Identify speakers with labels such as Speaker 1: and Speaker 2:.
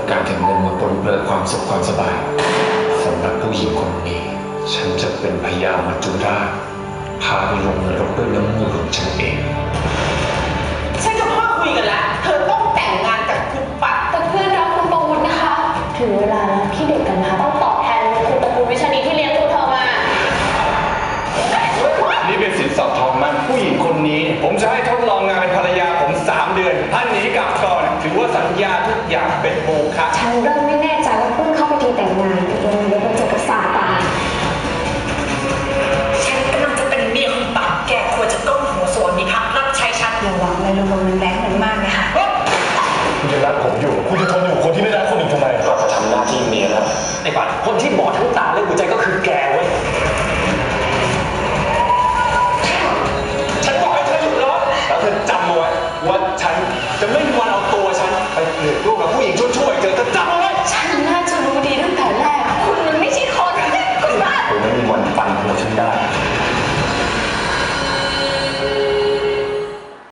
Speaker 1: การถึงเงินมาปนเปื้อนความสุขความสบายสำหรับผู้หญิงคนนี้ฉันจะเป็นพญามัจจุราชพาไปลงนรกด้วยน้ำมือของฉันเอง
Speaker 2: ฉันกับพ่อคุยกันแล้วเธอต้องแต่งงานกับคุณปัด
Speaker 3: แต่เพื่อนรักคุณประวุฒินะคะถึงเวลาแล้วที่เด็กกันมาต้องตอบแทนคุณตระกูลวิชานีที่เลี้ยงดูเธอมา
Speaker 4: นี่เป็นสินสอดทองมั่นผู้หญิงคนนี้ผมจะให้ทดลองงานเป็นภรรยาผม3 เดือนท่านหนีกลับก่อนถือว่าสัญญาทุกอย่างเป็นโมฆะ
Speaker 3: ฉันเริ่มไม่แน่ใจว่าเพิ่งเข้าไปทีแต่งงานยังไงเดี๋ยวไปเจอกับซาตาน
Speaker 2: ฉันกำลังจะเป็นเมียคุณปัดแกควรจะก้มหัวสวนมีพักรับใช้ฉัน
Speaker 3: ระวังเลยลมมันแรงมันมากเลยค่ะ
Speaker 4: คุณจะรักผมอยู่คุณจะทนอยู่คนที่ไม่รักคนอื่นทำไมเราจะทำหน้าที่เมียแล้ว
Speaker 1: ไอ้ปัดคนที่บอดทั้งตาและหัวใจก็คือแก